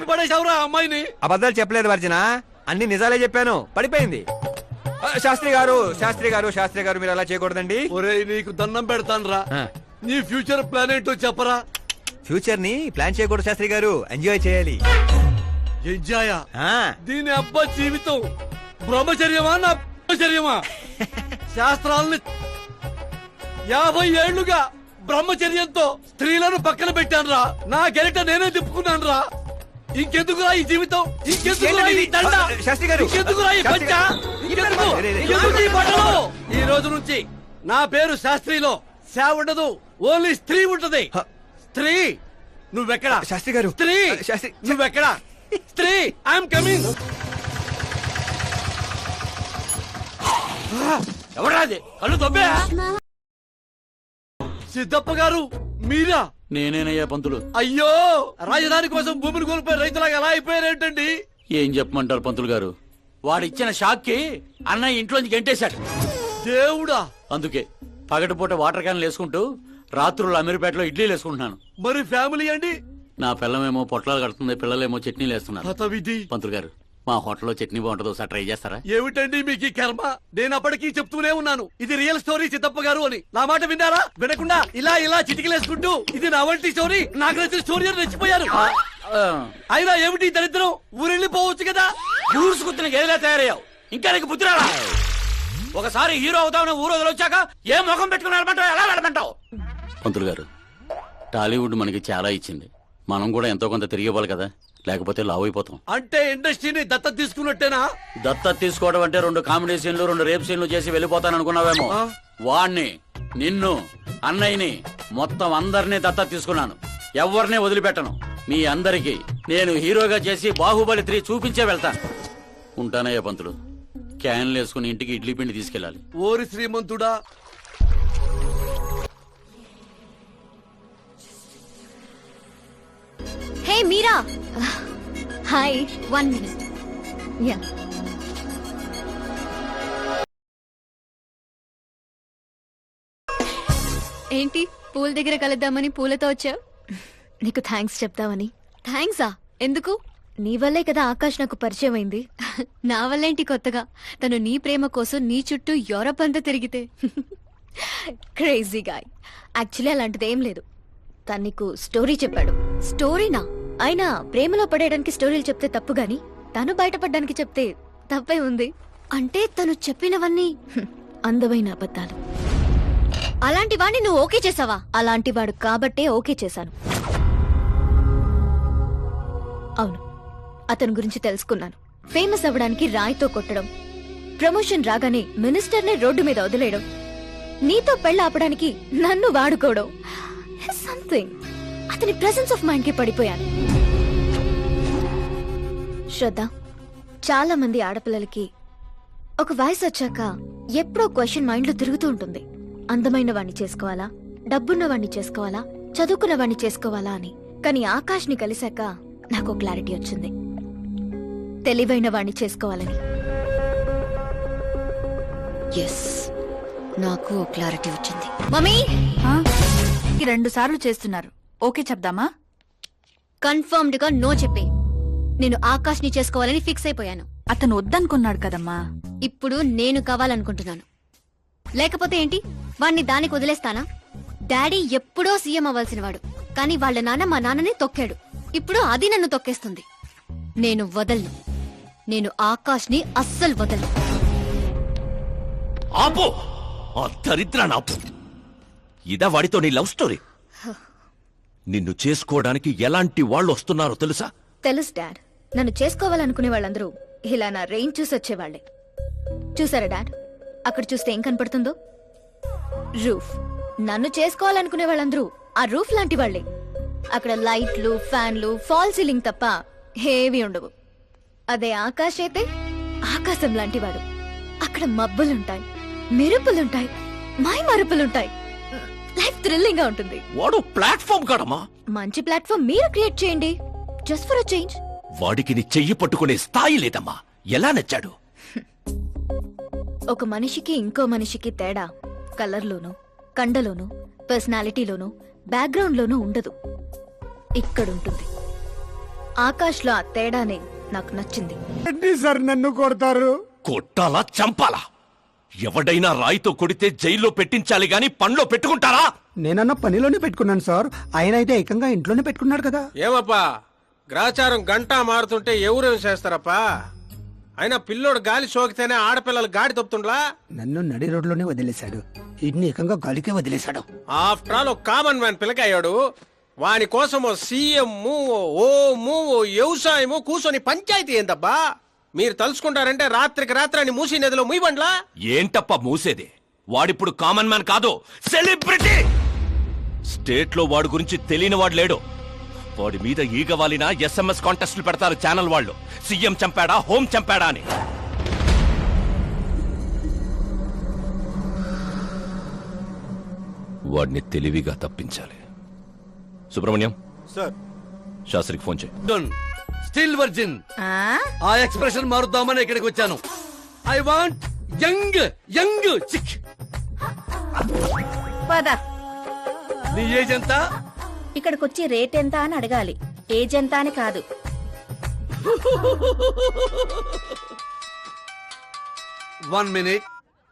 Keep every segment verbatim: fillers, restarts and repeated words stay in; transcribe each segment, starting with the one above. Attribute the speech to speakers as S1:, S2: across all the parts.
S1: చెప్పి పడేసావురా అమ్మాయిని?
S2: అబద్ధాలు చెప్పలేదు వర్జన, అన్ని నిజాలే చెప్పాను. పడిపోయింది. ఆ, శాస్త్రి గారు శాస్త్రి గారు శాస్త్రి గారు మీరు అలా చేయకూడదండి.
S1: ఒరేయ్ నీకు దండం పెడతాను రా,
S2: ఆ.
S1: నీ ఫ్యూచర్ ప్లాన్ ఏంటో చెప్పరా.
S2: ఫ్యూచర్ ని ప్లాన్ చేయకూడదు శాస్త్రి గారు, ఎంజాయ్ చేయాలి.
S1: ఎంజాయా?
S2: ఆ.
S1: దీని అబ్బా జీవితం బ్రహ్మచర్యమా నా బ్రహ్మచర్యమా? శాస్త్రాలని యాభై ఏళ్లుగా బ్రహ్మచర్యంతో స్త్రీలను పక్కన పెట్టాను రా. నా గెలిట నేనే తిప్పుకున్నాను రా. ఇంకెందుకురా ఈ జీవితం? ఇంకెందుకురా ఈ దండ?
S2: శాస్త్రి గారు,
S1: ఇంకెందుకురా ఈ పంచ? ఇంకెందుకు? ఇంకెందుకు ఈ బట్టలు? ఈ రోజు నుంచి నా పేరు శాస్త్రిలో శా ఉండదు, ఓన్లీ స్త్రీ ఉంటది. స్త్రీ నువ్వెక్కడా?
S2: శాస్త్రి గారు,
S1: స్త్రీ
S2: శాస్త్రి
S1: నువ్వెక్కడా? స్త్రీ ఐఎమ్ కమింగ్. ఎవరాది? కళ్ళు తొబ్బే. సిద్ధప్ప గారు మీరా?
S3: నేనేనయ్యా పంతులు.
S1: అయ్యో, రాజధాని కోసం భూమిని కోల్పోయి రైతులాగా ఎలా అయిపోయారేంటండి?
S3: ఏం చెప్పమంటారు పంతులు గారు, వాడిచ్చిన షాక్ కి అన్నయ్య ఇంట్లోంచి గెంటేశాడు.
S1: దేవుడా!
S3: అందుకే పగటిపూట వాటర్ క్యాన్లు వేసుకుంటూ రాత్రులు అమీర్పేటలో ఇడ్లీలు వేసుకుంటున్నాను.
S1: మరి ఫ్యామిలీ అండి?
S3: నా పిల్లమేమో పొట్లాలు కడుతుంది, పిల్లలేమో చట్నీలు వేస్తున్నారు.
S1: హత విధి.
S3: పంతులు గారు, మా హోటల్లో చట్నీ బాగుంటుంది, ఒకసారి ట్రై చేస్తారా?
S1: ఏమిటండి మీకు ఈ కర్మ? నేను అప్పటికీ చెప్తూనే ఉన్నాను ఇది రియల్ స్టోరీ సిద్ధప్ప గారు అని. నా మాట విన్నారా? వినకుండా ఇలా ఇలా చిటికలేసుకుంటూ ఇది నా వంటి స్టోరీ, నాకు నచ్చిన స్టోరీ అని రెచ్చిపోయారు. అయినా ఏమిటి ఈ దరిద్రం? ఊరెళ్ళిపోవచ్చు కదా.
S3: ఊరుసుకుతున్న గేదెలా తయారయ్యావు, ఇంకా నీకు బుద్ధి రాలా? ఒకసారి హీరో అవుతామని ఊరు వదిలొచ్చాక ఏ ముఖం పెట్టుకుని వెళ్ళమంటావు, ఎలా వెళ్ళమంటావు? పంతులు గారు, టాలీవుడ్ మనకి చాలా ఇచ్చింది, మనం కూడా ఎంతో కొంత తిరిగి ఇవ్వాలి కదా, లేకపోతే లావు అయిపోతాం.
S1: అంటే ఇండస్ట్రీని దత్తత తీసుకున్నట్టేనా?
S3: దత్తత తీసుకోవడం అంటే రెండు కామెడీ సీన్లు రెండు రేప్ సీన్లు చేసి వెళ్ళిపోతాను అనుకున్నావేమో. వాణ్ణి, నిన్ను, అన్నయ్యని, మొత్తం అందరినీ దత్తత తీసుకున్నాను. ఎవరిని వదిలిపెట్టను. మీ అందరికి నేను హీరోగా చేసి బాహుబలి త్రీ చూపించే వెళ్తాను. ఉంటానయ్యా పంతులు, క్యాన్లు వేసుకుని ఇంటికి ఇడ్లీ పిండి తీసుకెళ్ళాలి.
S1: ఓరి శ్రీమంతుడా!
S4: Hey Meera, hi. One minute. Ya, ఏంటి పూల దగ్గర కలుద్దామని పూలతో వచ్చావు? నీకు థ్యాంక్స్ చెప్తావని. థ్యాంక్సా? ఎందుకు? నీ వల్లే కదా ఆకాష్ నాకు పరిచయం అయింది. నా వల్లేంటి కొత్తగా? తను నీ ప్రేమ కోసం నీ చుట్టూ యూరప్ అంతా తిరిగితే. Crazy guy. యాక్చువల్లీ అలాంటిది ఏం లేదు. తను నీకు స్టోరీ చెప్పాడు. స్టోరీనా? అయినా ప్రేమలో పడేయడానికి స్టోరీలు చెప్తే తప్పు గాని తను బయటపడడానికి చెప్తే తప్పే ఉంది. అంటే తను చెప్పినవన్నీ అందమైన అబద్ధాలు. అలాంటి వాడిని నువ్వు ఓకే చేసావా? అలాంటి వాడు కాబట్టే ఓకే చేశాను. అవును, అతని గురించి తెలుసుకున్నాను. ఫేమస్ అవ్వడానికి రాయితో కొట్టడం, ప్రమోషన్ రాగానే మినిస్టర్నే రోడ్డు మీద వదిలేయడం, నీతో పెళ్లి ఆపడానికి నన్ను వాడుకోవడం. సంథింగ్. అతని ప్రెసెన్స్ ఆఫ్ మైండ్ కి పడిపోయాను. శ్రద్ధ, చాలా మంది ఆడపిల్లలకి ఒక వయసు వచ్చాక ఎప్పుడో క్వశ్చన్ మైండ్ లో తిరుగుతూ ఉంటుంది. అందమైన వాణ్ణి చేసుకోవాలా, డబ్బున్న వాణ్ణి చేసుకోవాలా, చదువుకున్న వాణ్ణి చేసుకోవాలా అని. కానీ ఆకాష్ ని కలిశాక నాకు క్లారిటీ వచ్చింది. తెలివైన వాణ్ణి చేసుకోవాలని. ఎస్, నాకు క్లారిటీ వచ్చింది. మమ్మీ,
S5: రెండు సార్లు చేస్తున్నారు, ఓకే చెప్దామా?
S4: కన్ఫర్మ్డ్ గా నో చెప్పే. నేను ఆకాష్ ని చేసుకోవాలని ఫిక్స్ అయిపోయాను.
S5: అతను వద్దనుకున్నాడు కదమ్మా.
S4: ఇప్పుడు నేను కావాలనుకుంటున్నాను. లేకపోతే ఏంటి, వాణ్ణి దానికి వదిలేస్తానా? డాడీ ఎప్పుడో సీఎం అవ్వాల్సిన వాడు, కానీ వాళ్ళ నాన్న మా నాన్నని తొక్కాడు. ఇప్పుడు అది నన్ను తొక్కేస్తుంది. నేను వదలను. నేను ఆకాష్ ని అస్సలు వదలను.
S6: ఆపో, ఆ దరిద్రాన్ని ఆపు. ఇదా వాడితో నీ లవ్ స్టోరీ? నిన్ను చేసుకోవడానికి ఎలాంటి వాళ్ళు వస్తున్నారో తెలుసా?
S4: తెలుసు డాడ్. నన్ను చేసుకోవాలనుకునే వాళ్ళందరూ ఇలా నా రేంజ్ చూసి వచ్చేవాళ్లే. చూసారా డాడ్, అక్కడ చూస్తే ఏం కనపడుతుందో? రూఫ్. నన్ను చేసుకోవాలనుకునే వాళ్ళందరూ ఆ రూఫ్ లాంటి వాళ్లే. అక్కడ లైట్లు, ఫ్యాన్లు, ఫాల్ సీలింగ్ తప్ప హేవీ ఉండవు. అదే ఆకాశ్ అయితే ఆకాశం లాంటివాడు. అక్కడ మబ్బులుంటాయి, మెరుపులుంటాయి, మై మరుపులుంటాయి. లైఫ్ థ్రిల్లింగ్ గా ఉంటుంది.
S6: వాడు ప్లాట్ఫామ్ కాడమ్మా.
S4: మంచి ప్లాట్ఫామ్ మీరు క్రియేట్ చేయండి, జస్ట్ ఫర్ అ చేంజ్.
S6: వాడికి నీ చెయ్యి పట్టుకునే స్థాయి లేదమ్మా. ఎలా నచ్చాడు?
S4: ఒక మనిషికి ఇంకో మనిషికి తేడా కలర్లోనూ, కండలోనూ, పర్సనాలిటీలోనూ, బ్యాక్గ్రౌండ్ లోనూ ఉండదు. ఇక్కడుంటుంది. ఆకాష్ లో ఆ తేడానే నాకు నచ్చింది.
S7: సార్ నన్ను కొడతారు.
S6: కొట్టాలా చంపాలా? ఎవడైనా రాయితో కొడితే జైల్లో పెట్టించాలి గాని పనిలో పెట్టుకుంటారా?
S7: నేనన్న పనిలోనే పెట్టుకున్నాను సార్, ఆయన అయితే ఏకంగా ఇంట్లోనే పెట్టుకున్నాడు కదా.
S8: ఏమప్పా గ్రాచారం గంటా మారుతుంటే ఎవరేం చేస్తారప్పా? అయినా పిల్లోడు గాలి సోకితేనే ఆడపిల్లలు గాడి తప్పుతుండ్లా?
S7: నన్ను నడి రోడ్లోనే వదిలేశాడు, ఇన్ని ఏకంగా గాలికే వదిలేశాడు.
S8: ఆఫ్టర్ ఆల్ ఒక కామన్ మ్యాన్ పిల్లకయ్యాడు. వాని కోసం ఓ సీఎం ఓ ఓ వ్యవసాయము కూర్చొని పంచాయతీ ఏందబ్బా? మీరు తలుచుకుంటారంటే రాత్రికి రాత్రాన్ని మూసి నదిలో ముయ్యబండ్లా?
S6: ఏంటప్ప మూసేది? వాడిప్పుడు కామన్ మ్యాన్ కాదు, సెలబ్రిటీ. స్టేట్ లో వాడి గురించి తెలియని వాడు లేడు. వాడి మీద ఈగ వాలిన ఎస్ఎంఎస్ కాంటెస్ట్లు పెడతారు ఛానల్ వాళ్ళు, సీఎం చంపాడా హోం చంపాడా అని. వాడిని తెలివిగా తప్పించాలి. సుబ్రహ్మణ్యం
S8: సార్,
S6: శాస్త్రికి ఫోన్ చేయి.
S1: Still virgin. ఆ ఎక్స్ప్రెషన్ మారుద్దామని ఇక్కడికి వచ్చాను. I want young young chick.
S9: పద,
S1: నీ ఏజ్ ఎంత?
S9: ఇక్కడికొచ్చి రేట్ ఎంత అని అడగాలి, ఏజ్ ఎంత అని కాదు.
S1: One minute.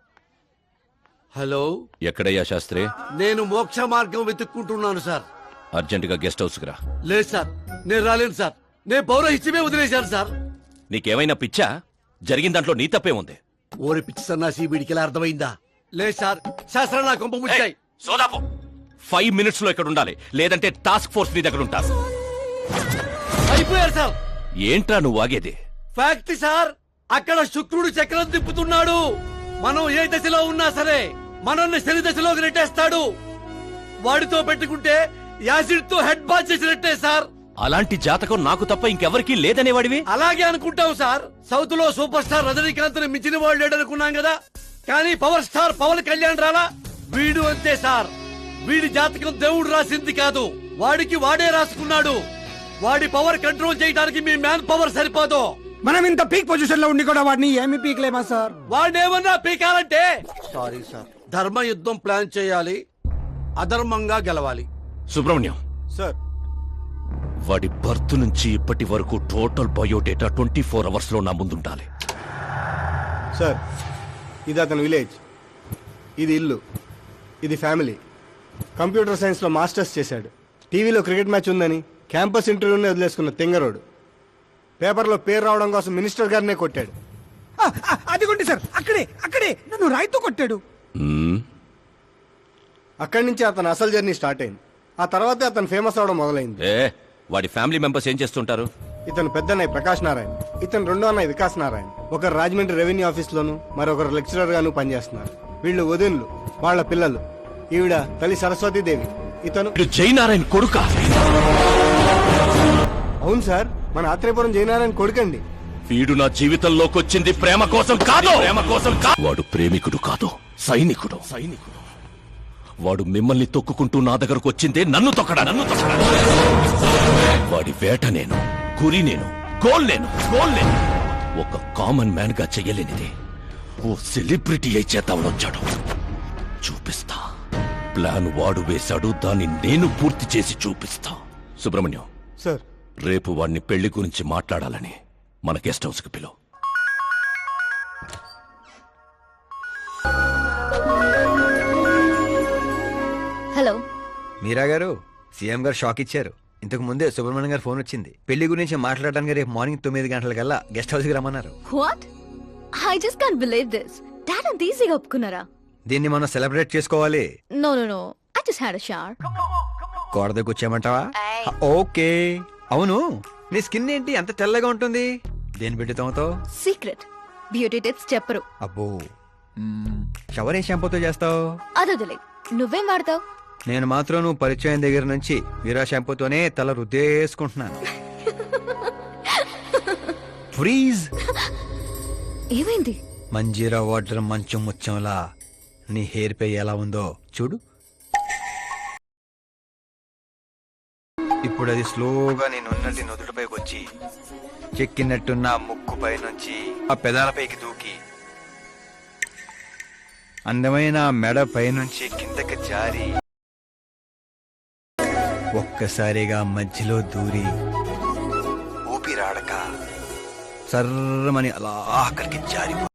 S1: హలో,
S6: ఎక్కడయ్యా శాస్త్రి?
S1: నేను మోక్ష మార్గం వెతుక్కుంటున్నాను సార్.
S6: అర్జెంటుగా గెస్ట్ హౌస్ కి రా.
S1: లేదు సార్, నేను రాలేను సార్. నేను పౌరహిత్యమే వదిలేశాను సార్.
S6: నీకేమైనా పిచ్చా? జరిగిన దాంట్లో నీ తప్పే ఉంది.
S1: ఓరి పిచ్చి సన్నాసి, వీడికి ఎలా అర్థమైందా? లేదు సార్, శాస్త్రం నా కొంప ముచ్చాయి.
S6: సోదాపు ఫైవ్ మినిట్స్ లో ఇక్కడ ఉండాలి, లేదంటే టాస్క్ ఫోర్స్ నీ దగ్గర ఉంటారు.
S1: అయిపోయారు సార్.
S6: ఏంట్రా నువ్వు ఆగేది?
S1: ఫ్యాక్ట్ సార్, అక్కడ శుక్రుడు చక్రం తిప్పుతున్నాడు. మనం ఏ దశలో ఉన్నా సరే మనల్ని శని దశలోకి నెట్టేస్తాడు. వాడితో పెట్టుకుంటే యాసిడ్ తో హెడ్ బాత్ చేసినట్టే సార్.
S6: అలాంటి జాతకం నాకు తప్ప ఇంకెవరికీ లేదనేవాడివి.
S1: అలాగే అనుకుంటాం సార్. సౌత్ లో సూపర్ స్టార్ రజనీకాంత్ ని మించిన వాడు లేడనుకున్నాం కదా, కానీ పవర్ స్టార్ పవన్ కళ్యాణ్ రాలా. వీడు అంతే సార్. వీడి జాతకం దేవుడు రాసింది కాదు, వాడికి వాడే రాసుకున్నాడు. వాడి పవర్ కంట్రోల్ చేయడానికి మీ మ్యాన్ పవర్ సరిపోదు.
S7: మనం ఇంత పీక్ పొజిషన్ లో ఉండి కూడా వాడిని ఏమి పీక్లేమా సార్?
S1: వాడినేమన్నా పీకాలంటే సారీ సార్, ధర్మ యుద్ధం ప్లాన్ చేయాలి, అధర్మంగా గెలవాలి.
S6: సుబ్రహ్మణ్యం
S8: సార్,
S6: వాడి బర్త్ నుంచి ఇప్పటి వరకు total biodata twenty four hours లో నా ముందుండాలి.
S10: సార్, ఇది అతని విలేజ్, ఇది ఇల్లు, ఇది ఫ్యామిలీ. కంప్యూటర్ సైన్స్ లో మాస్టర్స్ చేశాడు. టీవీలో క్రికెట్ మ్యాచ్ ఉందని క్యాంపస్ ఇంటర్వ్యూనే వదిలేసుకున్న తెంగరోడు. పేపర్లో పేరు రావడం కోసం మినిస్టర్ గారినే కొట్టాడు.
S7: ఆ, ఆ, అదిగోండి సార్, అక్కడే అక్కడే నన్ను రాయితో కొట్టాడు.
S6: మ్మ్.
S10: అక్కడి నుంచి అతని అసలు జర్నీ స్టార్ట్ అయింది. ఆ తర్వాతే అతను ఫేమస్ అవడం మొదలైంది.
S6: ఏ వాడి ఫ్యామిలీ మెంబర్స్ ఏం చేస్తుంటారు?
S10: ఇతను పెద్ద అన్నయ్య ప్రకాష్ నారాయణ, ఇతను రెండో అన్నయ్య వికాస్ నారాయణ. ఒకరు రాజమండ్రి రెవెన్యూ ఆఫీస్ లోను, మరొకరు లెక్చరర్ గాను పనిచేస్తున్నారు. వీళ్ళు వదినులు, వాళ్ళ పిల్లలు. ఈవిడ తల్లి సరస్వతీదేవి. ఇతను
S6: వీడు జయనారాయణ కొడుకా?
S10: అవును సార్, మన ఆత్రేయపురం జయనారాయణ కొడుకండి.
S6: వీడు నా జీవితంలోకి వచ్చింది ప్రేమ కోసం కాదు, ప్రేమ కోసం కాదు. వాడు ప్రేమికుడు కాదు, సైనికుడు. సైనికుడు వాడు మిమ్మల్ని తొక్కుకుంటూ నా దగ్గరకు వచ్చిందే నన్ను తొక్కడా, నన్ను తొక్కడా. వాడి వేట నేను, గురి నేను, గోల్ నేను, గోల్ నేను. ఒక కామన్ మ్యాన్ గా చెయ్యలేనిది ఓ సెలబ్రిటీ అయి చేద్దామని వచ్చాడు. చూపిస్తా. ప్లాన్ వాడు వేశాడు, దాన్ని నేను పూర్తి చేసి చూపిస్తా. సుబ్రహ్మణ్యం
S10: సార్,
S6: రేపు వాడిని పెళ్లి గురించి మాట్లాడాలని మన గెస్ట్ హౌస్ కి పిలువు.
S4: హలో,
S2: మీరా గారు, సీఎం గారు షాక్ ఇచ్చారు. ఇంతకు ముందే సుబ్రహ్మణ్యం గారు ఫోన్ వచ్చింది. పెళ్లి గురించి మాట్లాడడానికి రేపు మార్నింగ్ తొమ్మిది గంటలకల్లా గెస్ట్ హౌస్ కి రమ్మన్నారు.
S4: What? I just can't believe this. Dad అంత ఈజీగా ఒప్పుకున్నారా?
S2: దీన్ని మనం సెలబ్రేట్ చేసుకోవాలి.
S4: No no no, I just had a shower.
S2: కోడ దగ్గర వచ్చామంటావా? ఓకే. అవును, నీ స్కిన్ ఏంటి అంత తెల్లగా ఉంటుంది? దేని పెట్టుతావుతో?
S4: సీక్రెట్ బ్యూటీ టిప్స్ చెప్పరు.
S2: అబ్బో, షవర్ ఏ షాంపూతో చేస్తావు?
S4: అదొదిలే, నువ్వేం వాడతావు?
S2: నేను మాత్రం నువ్వు పరిచయం దగ్గర నుంచి వీరా షాంపూతోనే తల రుద్దేసుకుంటున్నాను. ఫ్రీజ్.
S4: ఏమైంది?
S2: మంజీరా వాటర్ మంచం ముచ్చంలా నీ హెయిర్ పై ఎలా ఉందో చూడు. ఇప్పుడు అది స్లోగా నేను ఉన్నట్టు నుదుటిపైకి వచ్చి చెక్కినట్టున్న ముక్కు పై నుంచి ఆ పెదాలపైకి దూకి అందమైన మెడ పైనుంచి కిందకి జారి ఒక్కసారిగా మధ్యలో దూరి సర్రమని అలా అక్కడికి జారిపోతుంది.